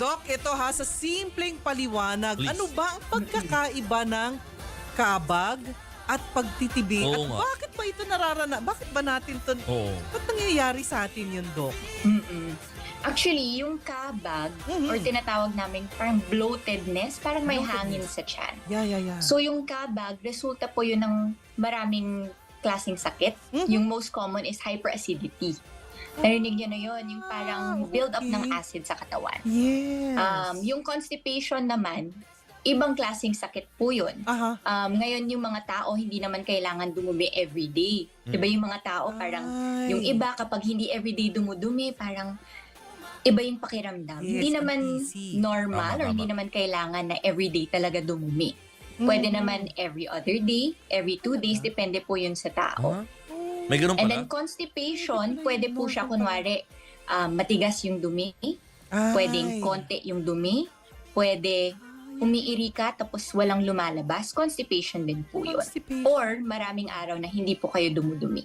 Doc, ito ha, sa simpleng paliwanag, Please. ano ba ang pagkakaiba ng kabag at pagtitibi? Oo At nga. bakit ba ito bakit ba natin ito, Oo. ba't nangyayari sa atin yun, Doc? Actually, yung kabag or tinatawag namin parang bloatedness, parang may hangin sa tiyan. Yeah. So yung kabag, resulta po yun ng maraming klaseng sakit. Yung most common is hyperacidity. Narinig niyo na yun, yung parang build up ng acid sa katawan. Yes. Yung constipation naman, ibang klaseng sakit po yun. Aha. Ngayon yung mga tao, hindi naman kailangan dumumi everyday. Diba yung mga tao parang, yung iba kapag hindi everyday dumudumi, parang iba yung pakiramdam. Yes, Hindi naman uneasy. normal or Tama. hindi naman kailangan na everyday talaga dumumi. Pwede naman every other day, every 2 days, depende po yun sa tao. Ah, may ganun And pala? then constipation, pwede po siya kunwari matigas yung dumi, pwedeng konti yung dumi, pwede umiiri ka tapos walang lumalabas, constipation din po yun. Or maraming araw na hindi po kayo dumudumi.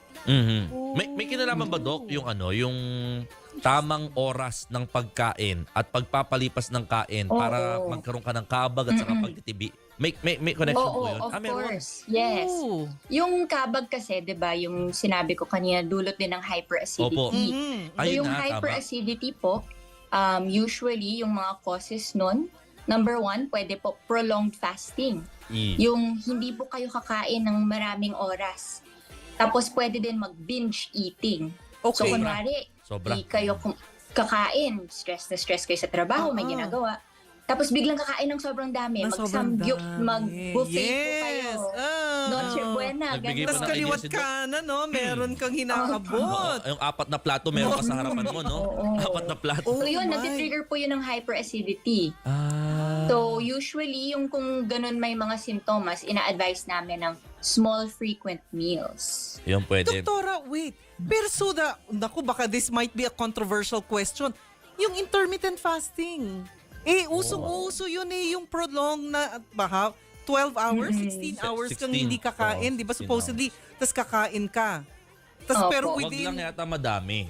May kinalaman ba, Doc, yung yung tamang oras ng pagkain at pagpapalipas ng kain para magkaroon ka ng kabag at saka pagtitibi? May connection po Oo, yun? of Meron? course. Yes. Oh. Yung kabag kasi, 'di ba, yung sinabi ko kanina, dulot din ng hyperacidity. Opo. So Ayun yung na, tama. hyperacidity po, usually yung mga causes nun, number 1, pwede po prolonged fasting. Yung hindi po kayo kakain ng maraming oras. Tapos pwede din mag-binge eating. So Okay. kunwari, Sobra. di kayo kakain, stress na stress kayo sa trabaho, may ginagawa. Tapos biglang kakain ng sobrang dami, Na sobrang mag-samgyup, dami. mag-buffet po kayo. Yes. Noche buena, Nagbigay Tapos pa ng kaliwat idea si Doc. ka na, no? Meron kang hinaabot. Yung 4 na plato meron ka sa harapan mo, no? Oo. 4 na plato. Oh So yun, my. nati-trigger po yun ng hyperacidity. So usually, yung kung ganun may mga sintomas, ina-advise namin ng small frequent meals. Yun pwede. Doktora, wait. Pero naku, baka this might be a controversial question. Yung intermittent fasting. Usong-uso yun yung prolonged na, baka 12 hours, 16 hours kang 16. hindi kakain, di ba? 16 Supposedly, tas kakain ka. Tas Opo. pero Wag within... lang yata madami.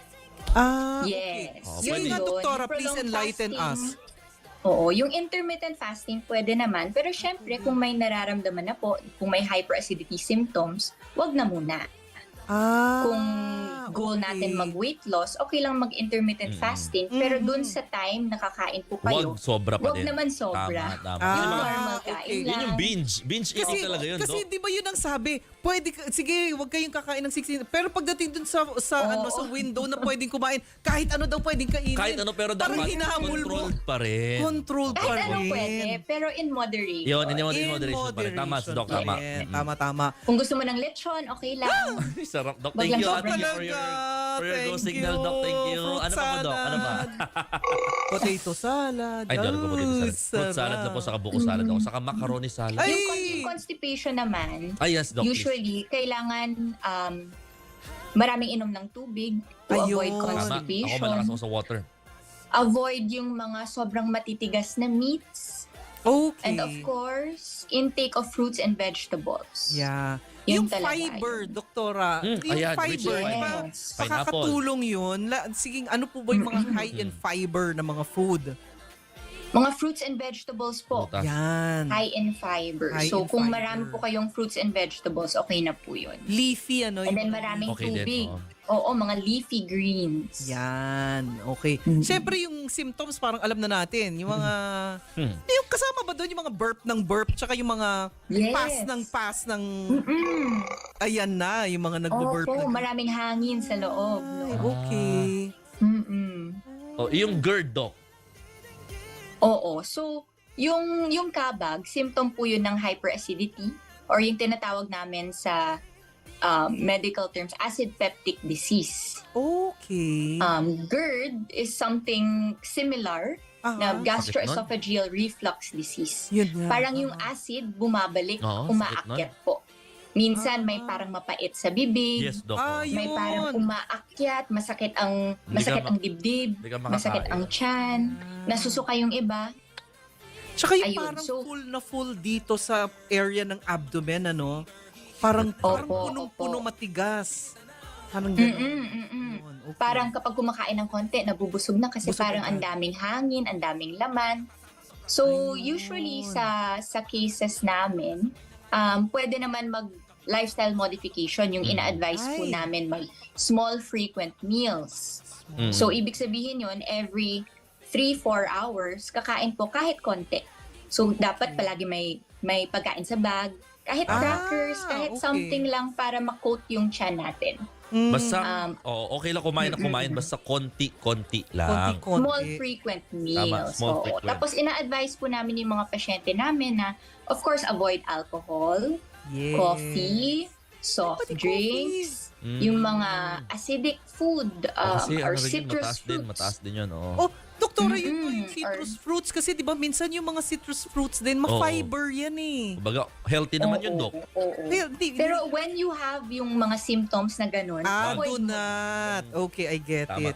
Okay. Yes. Yun Pwede. nga, doktora, Yung please prolonged enlighten fasting, us. Oo, yung intermittent fasting pwede naman. Pero syempre, kung may nararamdaman na po, kung may hyperacidity symptoms, wag na muna. Kung goal natin mag-weight loss, okay lang mag-intermittent fasting. Pero dun sa time nakakain po kayo, Wag sobra pa wag din. naman sobra. Tama. Yung Yung mga- normal okay. kain Yun lang. yung binge. Binge eating talaga yun, Kasi Doc. di ba yun ang sabi, sige, wag kayong kakain ng 16. Pero pagdating dun sa window na pwedeng kumain, kahit ano daw pwedeng kainin. Kahit ano, pero Parang dapat hinahamol mo. controlled pa rin. Controlled pa Kahit rin. anong pwede, pero in moderation. Yun, in moderation pa rin. Tama, si Doc, tama. Yeah, tama. Kung gusto mo ng lechon, okay lang. Sarap, Doc. Wag Thank lang you. sobra. Thank you for your go signal, Doc. Thank you. Fruit Ano pa po, Doc? Ano pa? Potato salad. Ay, doon ko potato salad. Fruit sarap. salad na po, saka buko salad ako. Saka macaroni salad. Ay! Yung constipation naman, Ay, yes, Doc. please. usually, kailangan maraming inom ng tubig to Ayun. avoid Tama. Ako constipation. malakas ako sa water. Avoid yung mga sobrang matitigas na meats. Okay. And of course, intake of fruits and vegetables. Yeah. Yung Yun talaga fiber, yun. doktora. Yung ayan, which fiber, is di ba? Yes. Makakatulong yun. Sige, ano po ba yung mga high in fiber na mga food? Mga fruits and vegetables po. Butas. Yan. High in fiber. High So in kung fiber. marami po kayong fruits and vegetables, okay na po yun. Leafy, ano? And yung then mga maraming Okay din, tubig. oo. Oo, mga leafy greens. Yan, okay. Siyempre yung symptoms parang alam na natin. Yung mga, yung kasama ba doon yung mga burp, tsaka yung mga Yes. pass ng, ayan na, yung mga nagbo-burp. Opo, maraming hangin sa loob. No? Ay, okay. Oh, yung GERD, Doc. Oo. So, yung kabag, symptom po yun ng hyperacidity or yung tinatawag namin sa medical terms, acid peptic disease. Okay. GERD is something similar na gastroesophageal reflux disease. Yun nga. Parang yung acid bumabalik, Oo, umaakyat po. Minsan may parang mapait sa bibig. Yes, Doc. May Yun. parang umaakyat, masakit ang dibdib, Hindi ka masakit makakain. ang tiyan, nasusuka yung iba. Tsaka yung Ayun, parang so- full dito sa area ng abdomen, ano? Parang Opo, punong-puno opo. matigas. Parang gano'n. Okay. Parang kapag kumakain ng konti, nabubusog na kasi Busog parang ang agad. daming hangin, ang daming laman. So, Ayun. usually sa cases namin, pwede naman mag lifestyle modification, yung ina-advise po Ay. namin mag small frequent meals. Mm. So, ibig sabihin yun, every 3-4 hours, kakain po kahit konti. So, dapat palagi may pagkain sa bag, kahit crackers, kahit okay. something lang para ma-coat yung tiyan natin. Basta, okay lang kumain na kumain, basta konti-konti lang. Konti-konti. Small frequent meals. small Oo. frequent. Tapos ina-advise po namin yung mga pasyente namin na, of course, avoid alcohol, Yes. coffee, soft Pati drinks, Mm. yung mga acidic food, Kasi or ano rin yun, citrus fruits. mataas din yun. Oh, doktora, yun po yung Mm-mm. citrus fruits. Kasi di ba minsan yung mga citrus fruits din, Oo. ma-fiber yan eh. Kumbaga, healthy naman yun, Dok. Oo. Pero Pero when you have yung mga symptoms na ganun, do avoid mo. not. Okay, I get Tama, it.